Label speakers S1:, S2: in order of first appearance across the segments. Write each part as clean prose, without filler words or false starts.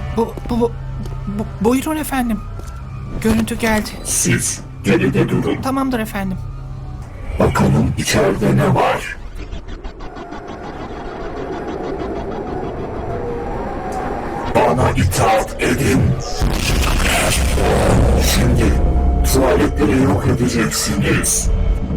S1: Buyurun efendim. Görüntü geldi.
S2: Siz geride durun.
S1: Tamamdır efendim.
S2: Bakalım içeride ne var? Bana itaat edin. Şimdi tuvaletleri yok edeceksiniz.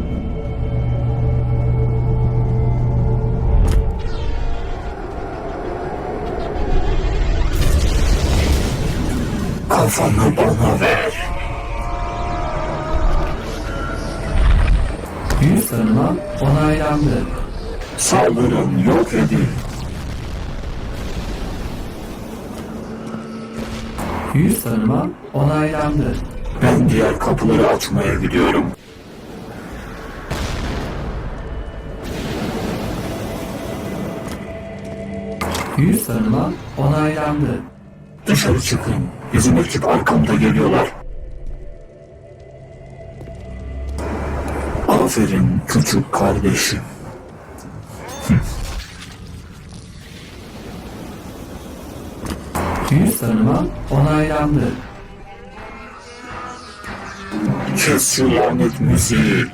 S2: Kafanı bana ver.
S3: Yüz tanıma onaylandı.
S2: Saldırın, yok edin.
S3: Yüz tanıma onaylandı.
S2: Ben diğer kapıları açmaya gidiyorum.
S3: Yüz tanıma onaylandı.
S2: Dışarı çıkın. Bizim ekip arkamda geliyorlar. Aferin küçük kardeşim.
S3: Yüz tanıma onaylandı.
S2: Kes şu lanet müziği.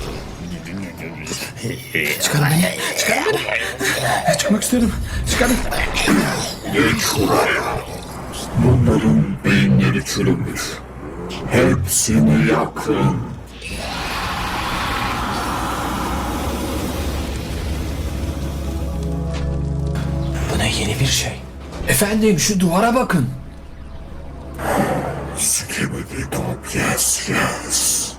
S1: Çıkarın beni. Çıkarın beni. Çıkmak istiyorum. Çıkarın.
S2: Geç şuraya. Bunların beyinleri çürümüş. Hepsini yakın.
S1: Bu ne yeni bir şey. Efendim şu duvara bakın.
S2: Skibidi top, yes yes.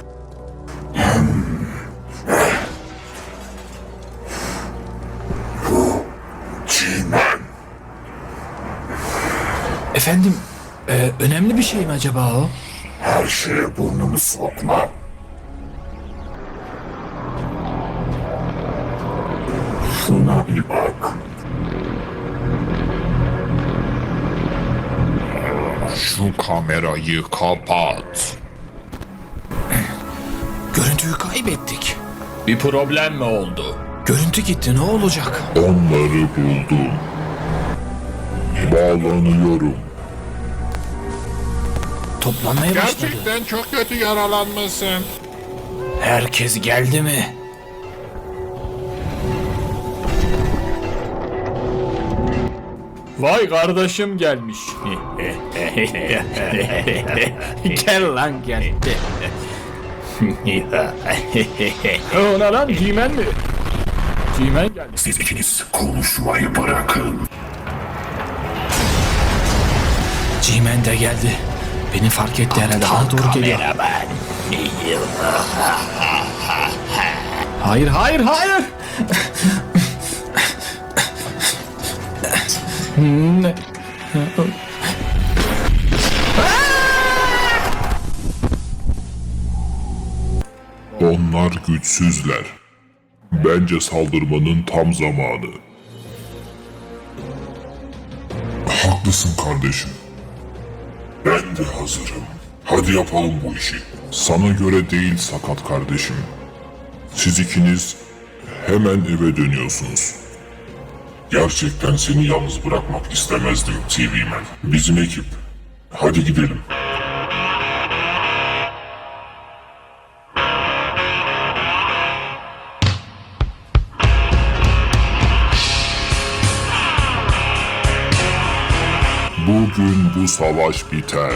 S2: Bu G-Man.
S1: Efendim önemli bir şey mi acaba o?
S2: Her şeye burnumu sokma. Şuna bir bak.
S4: Şu kamerayı kapat.
S1: Görüntüyü kaybettik.
S4: Bir problem mi oldu?
S1: Görüntü gitti, ne olacak?
S4: Onları buldum. Bağlanıyorum.
S1: Toplanmaya başladı.
S4: Gerçekten çok kötü yaralanmışsın.
S1: Herkes geldi mi?
S5: Vay kardeşim gelmiş. Gel lan gel. O ne lan G-Man mi? G-Man geldi.
S2: Siz ikiniz konuşmayı bırakın.
S1: G-Man de geldi. Beni fark etti herhalde. Bana doğru geliyor.
S5: Hayır hayır hayır. Ne?
S4: Onlar güçsüzler. Bence saldırmanın tam zamanı. Haklısın kardeşim. Ben de hazırım. Hadi yapalım bu işi. Sana göre değil sakat kardeşim. Siz ikiniz hemen eve dönüyorsunuz. Gerçekten seni yalnız bırakmak istemezdim TV-Man. Bizim ekip. Hadi gidelim. Bugün bu savaş biter.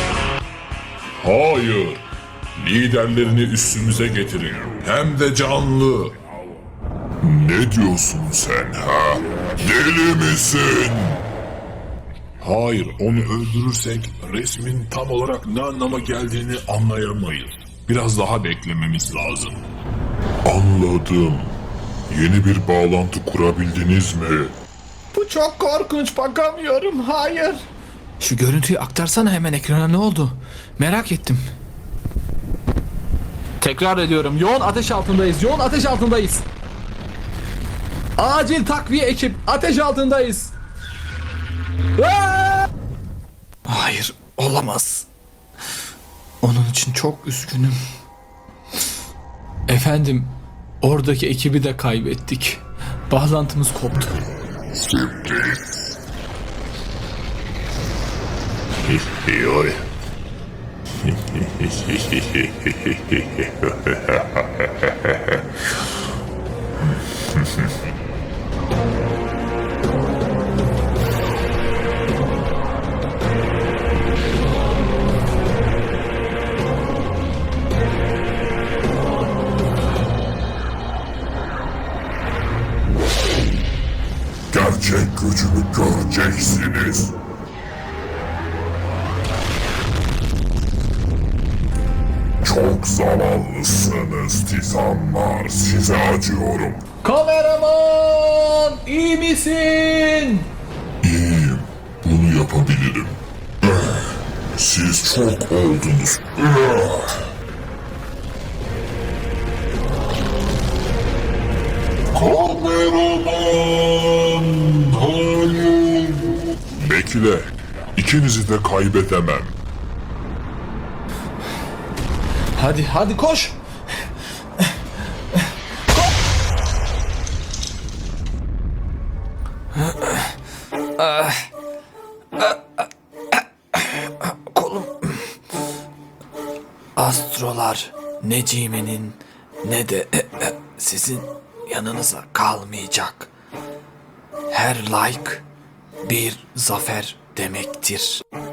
S4: Hayır. Liderlerini üstümüze getirin. Hem de canlı. Ne diyorsun sen ha? Deli misin? Hayır, onu öldürürsek resmin tam olarak ne anlama geldiğini anlayamayız. Biraz daha beklememiz lazım. Anladım. Yeni bir bağlantı kurabildiniz mi?
S5: Bu çok korkunç, bakamıyorum. Hayır.
S1: Şu görüntüyü aktarsana hemen ekrana, ne oldu? Merak ettim.
S5: Tekrar ediyorum. Yoğun ateş altındayız. Yoğun ateş altındayız. Acil takviye ekip. Ateş altındayız. Aa!
S1: Hayır, olamaz. Onun için çok üzgünüm. Efendim, oradaki ekibi de kaybettik. Bağlantımız koptu.
S4: Yoy. Gerçek gücümü göreceksiniz. Çok zavallısınız Titanlar. Size acıyorum.
S5: Kameraman iyi misin?
S4: İyiyim. Bunu yapabilirim. Siz çok oldunuz. Kameraman! Hayır! Bekle. İkinizi de kaybedemem.
S1: Hadi koş. Kolum. Astrolar ne Cime'nin ne de sizin yanınıza kalmayacak. Her like bir zafer demektir.